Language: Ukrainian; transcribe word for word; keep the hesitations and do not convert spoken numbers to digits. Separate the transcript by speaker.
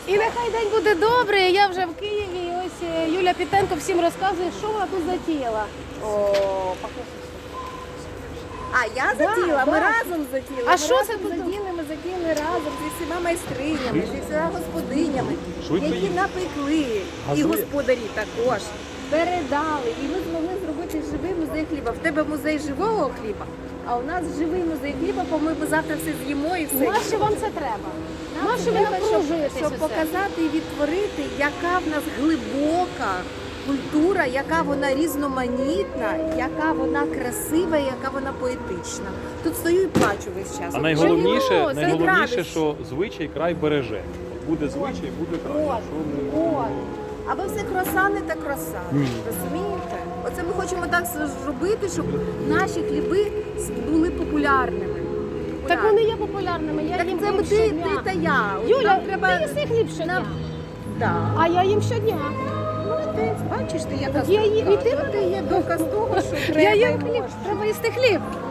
Speaker 1: І нехай день буде добрий. Я вже в Києві. І ось е, Юля Пітенко всім розказує, що вона тут затіяла.
Speaker 2: О, покажи. А, я затіла,
Speaker 1: да.
Speaker 2: ми разом затіли.
Speaker 1: А
Speaker 2: ми
Speaker 1: що
Speaker 2: разом
Speaker 1: це тут?
Speaker 2: затіли, ми затіли разом зі всіма майстринями, зі всіма господинями,
Speaker 3: Швидко
Speaker 2: які
Speaker 3: їдь.
Speaker 2: напекли. І
Speaker 3: Газує.
Speaker 2: господарі також передали. І ми змогли зробити живий музей хліба. В тебе музей живого хліба, а у нас живий музей хліба, бо ми завтра все з'їмо і все.
Speaker 1: Нащо вам це треба?
Speaker 2: Нам
Speaker 1: Нащо ви
Speaker 2: треба, щоб,
Speaker 1: напружуєтесь
Speaker 2: щоб
Speaker 1: оце?
Speaker 2: показати і відтворити, яка в нас глибока культура, яка вона різноманітна, яка вона красива, яка вона поетична. Тут стою і плачу весь час.
Speaker 3: А найголовніше,
Speaker 2: Чому? Це
Speaker 3: найголовніше,
Speaker 2: радість.
Speaker 3: що звичай край береже. Буде звичай, буде край.
Speaker 2: От,
Speaker 3: Що ми-
Speaker 2: от. Аби все круасани та круасани. Розумієте? Оце ми хочемо так зробити, щоб наші хліби були популярними.
Speaker 1: Так вони є популярними. Я
Speaker 2: Так
Speaker 1: їм
Speaker 2: це
Speaker 1: хліб
Speaker 2: ми ти,
Speaker 1: щодня.
Speaker 2: ти та я. От
Speaker 1: Юля,
Speaker 2: нам треба...
Speaker 1: ти їси хліб щодня.
Speaker 2: Нам- Да.
Speaker 1: А я їм щодня.
Speaker 2: Молодець, бачиш ти, яка
Speaker 1: Я їм- і ти
Speaker 2: От ти є доказ того, що треба
Speaker 1: Я
Speaker 2: і
Speaker 1: їм хліб.
Speaker 2: можна.
Speaker 1: Треба їсти хліб.